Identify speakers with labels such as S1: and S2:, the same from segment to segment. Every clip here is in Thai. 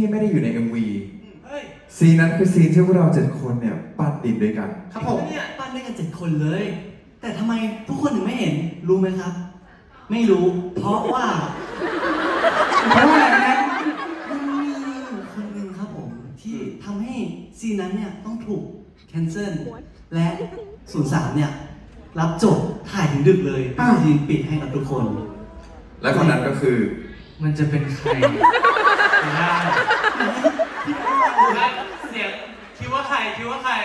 S1: ที่ไม่ได้อยู่ใน MV
S2: เฮ้ย
S1: ซีนนั้นคือซีนที่พวกเรา7 คนเนี่ยปั้นดินด้วยกัน
S2: ครับผม
S3: เนี่ยปั้นด้วยกัน7 คนเลย แต่ทำไมทุกคนถึงไม่เห็นรู้ไหมครับ ไม่รู้เพราะว่าอะไรนะมันมีอยู่คนหนึ่งครับผมที่ทำให้ซีนนั้นเนี่ยต้องถูกแคนเซิลและ03เนี่ยรับจบถ่ายถึงดึกเลยเป็นซีนปิดให้กับทุกคน
S1: และคนนั้นก็คือ
S4: มันจะเป็นใครได้เสียงคิดว่าใครคิดว่าใคร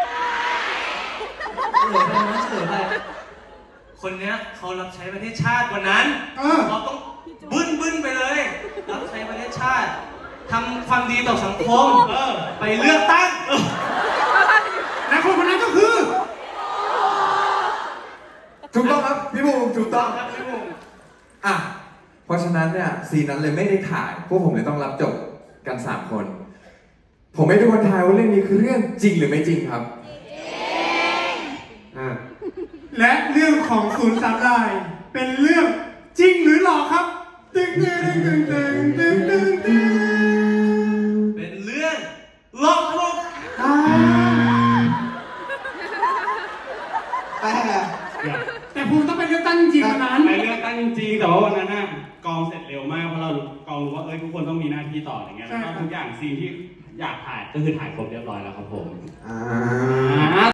S3: เฉลยไปนะเฉลยไป
S4: คนเนี้ยเขารับใช้ประเทศชาติวันนั้นเราต้องบึ้นไปเลย รับใช้ประเทศชาติทำความดีต่อสังคมไปเลือกตั้ง
S2: และคนคนนั้นก็คือ
S1: ถูกต้องครับพี่บูมถูกต้อง
S4: ครับพี่บุ๋ม
S1: อ่ะเพราะฉะนั้นเนี่ยซีนนั้นเลยไม่ได้ถ่ายพวกผมเลยต้องรับจบกัน3 คน ผมให้ทุกคนทายว่าเรื่องนี้คือเรื่องจริงหรือไม่จริงครับ
S2: และเรื่องของ03รายเป็นเรื่องจริงหรือหลอกครับตึงตึงตึงตึงตึงตึงตึง
S4: เป็นเรื่องหลอกลวง
S2: แต่ภูมิต้องไปเลือกตั้งจริงๆวันนั้น
S5: ไปเลือกตั้งจริงๆแต่ว่าวันนั้นน่ะกองเสร็จเร็วมากเพราะเรากองรู้ว่าทุกคนต้องมีหน้าที่ต่ออย่างเงี้ยแล้วก็ทุกอย่างซีนที่อยากถ่ายก็คือถ่ายครบเรียบร้อยแล้วครับผม